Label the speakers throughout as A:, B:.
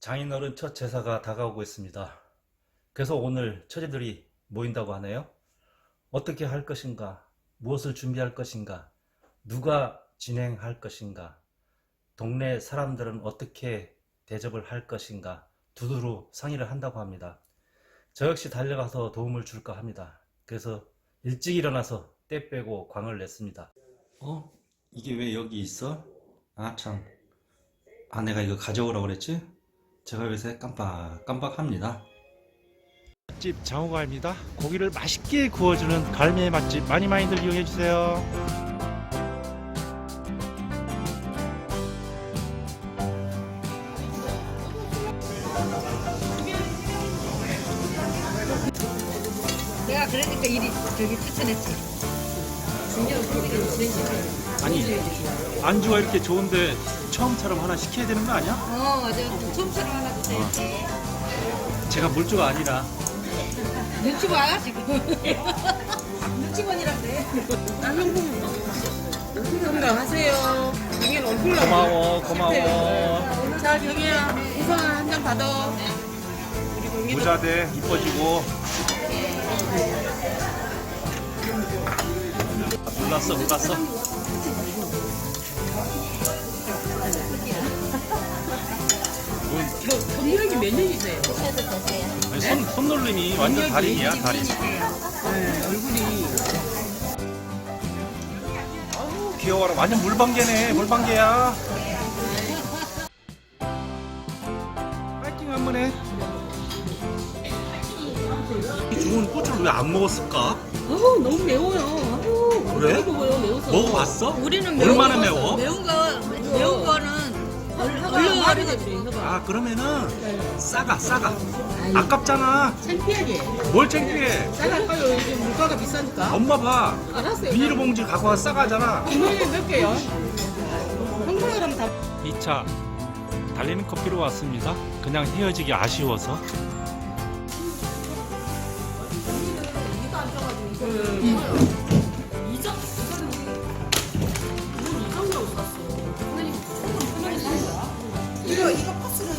A: 장인어른 첫 제사가 다가오고 있습니다. 그래서 오늘 처제들이 모인다고 하네요. 어떻게 할 것인가, 무엇을 준비할 것인가, 누가 진행할 것인가, 동네 사람들은 어떻게 대접을 할 것인가 두루두루 상의를 한다고 합니다. 저 역시 달려가서 도움을 줄까 합니다. 그래서 일찍 일어나서 때 빼고 광을 냈습니다. 이게 왜 여기 있어? 아 참, 아내가 이거 가져오라고 그랬지? 제가 요새 깜빡합니다. 맛집 장호갈입니다. 고기를 맛있게 구워주는 갈매의 맛집 많이들 이용해주세요.
B: 내가 그러니까 일이 저기 추천했지. 진정 소리를 진행시켜.
A: 아니, 안주가 이렇게 좋은데 처음처럼 하나 시켜야 되는 거 아니야?
B: 맞아. 처음처럼 하나 주세요.
A: 제가 물주가 아니라.
B: 눈치 봐 지금. 눈치본이라 그래.
C: 건강하세요. 경연 얼굴로.
A: 고마워.
C: 자, 경혜야, 우선 한 잔 받아.
A: 부자대 이뻐지고. 몰랐어.
C: 경력이 몇 년이세요?
A: 아니, 손놀림이 완전 달인이야, 달인.
C: 네, 얼굴이.
A: 아우, 귀여워라. 완전 물방개야. 파이팅 한번 해. 이 좋은 고추를 왜 안 먹었을까?
C: 너무 매워요.
A: 그래?
C: 어떻게 먹어요, 매워서.
A: 먹어봤어?
B: 우리는
A: 얼마나 매워?
B: 매운 거는
C: 얼른 하루가
A: 아, 그러면은 싸가. 아깝잖아.
C: 창피하게.
A: 뭘 창피해?
C: 싸갈까요? 요즘 물가가 비싸니까.
A: 엄마 봐.
C: 알았어요.
A: 비닐봉지 갖고 와서 싸가잖아.
C: 국물이 몇 개요? 평소처럼 다.
A: 2차 달리는 커피로 왔습니다. 그냥 헤어지기 아쉬워서.
B: 이거 파스는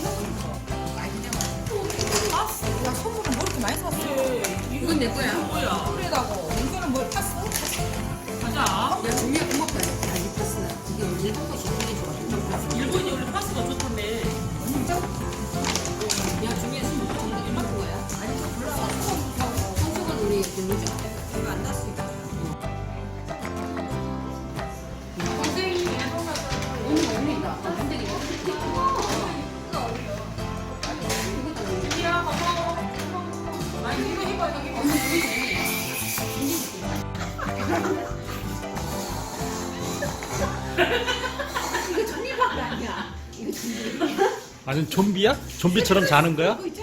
B: 나 선물은 뭐 이렇게 많이 샀어? 이건 내 거야. 그래다고 이거는 뭘 파스?
C: 가자.
B: 야 종이야 고맙다. 야, 이 파스는 이게 일본 것이 되게 좋아.
C: 일본이 원래 파스가 좋던데.
B: 야 종이야 지금 얼마 거야? 아니 저 몰라. 성수건 우리 누르죠. 이거 안 났으니까. 선생님이 오늘 옵니다. 근데 이거 이거 전이밖에 아니야. 이거 전이.
A: 아니 좀비야? 좀비처럼 자는 거야?
B: 이거 있잖아.